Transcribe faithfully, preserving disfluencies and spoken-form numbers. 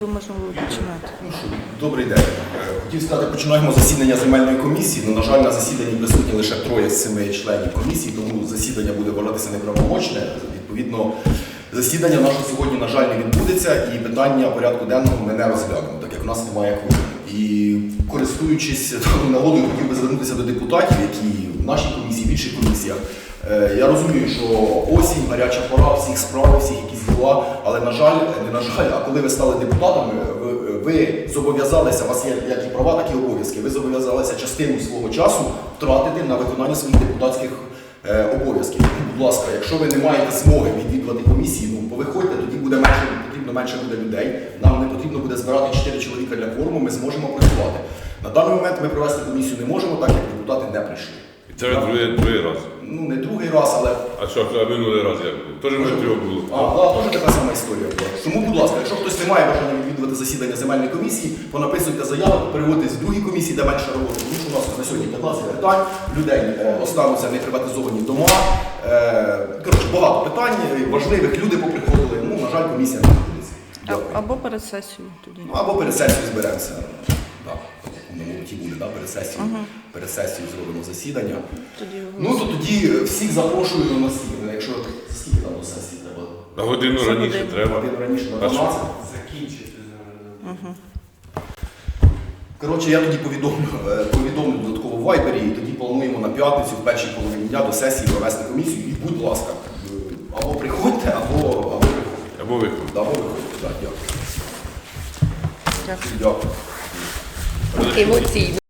Можемо починати. Ну що, добрий день. Е, Хотів сказати, починаємо засідання земельної комісії. Ну, на жаль, на засіданні присутні лише троє з семи членів комісії, тому засідання буде вважатися неправомочне. Відповідно, засідання наше сьогодні, на жаль, не відбудеться, і питання порядку денного ми не розглянемо, так як у нас немає кворуму. І користуючись нагодою, хотів би звернутися до депутатів, які в нашій комісії, в інших комісіях. Е, Я розумію, що осінь, гаряча пора, всіх справ, всіх якісь діла, але, на жаль, не на жаль, а коли ви стали депутатами, ви, ви зобов'язалися, у вас є як і права, так і обов'язки, ви зобов'язалися частину свого часу втратити на виконання своїх депутатських е, обов'язків. Будь ласка, якщо ви не маєте змоги відвідувати комісії, ну, повиходьте, тоді буде менше, потрібно менше буде людей, нам не потрібно буде збирати чотири чоловіка для форуму, ми зможемо працювати. На даний момент ми провести комісію не можемо, так як депутати не прийшли. Це вже другий, другий раз. Ну, не другий раз, але... А що, а минулий раз як було? Теж ми трьох було. А, да, теж така сама історія була. Тому, будь ласка, якщо хтось не має бажання відвідувати засідання земельної комісії, понаписуйте заяву, переводьтесь в другі комісії, де менше роботи. Тому що у нас на сьогодні п'ятнадцять питань, людей е, остануться неприватизовані дома. Е, коротше, багато питань, важливих, люди поприходили. Ну, на жаль, комісія не відбудеться. Дякую. Або перед сесією тоді. Ну, або перед сесією зберемося. Так, на молоті буде, да, перед сесією. Ага. Перед сесією зробимо засідання. Тоді Ну, то тоді всіх запрошую на сесію. Якщо скільки там до сесії треба? На годину Це раніше годину. треба. Годину раніше на А що? дванадцять. Закінчити зараз. Угу. Коротше, я тоді повідомлю, е, повідомлю додатково в Вайбері, і тоді плануємо на п'ятницю, в першій половині дня до сесії провести комісію. І, будь ласка, е, або приходьте, або, або приходьте. Або виходить. Да, або виходьте. Так, дякую. Дякую. Дякую. Емоційно.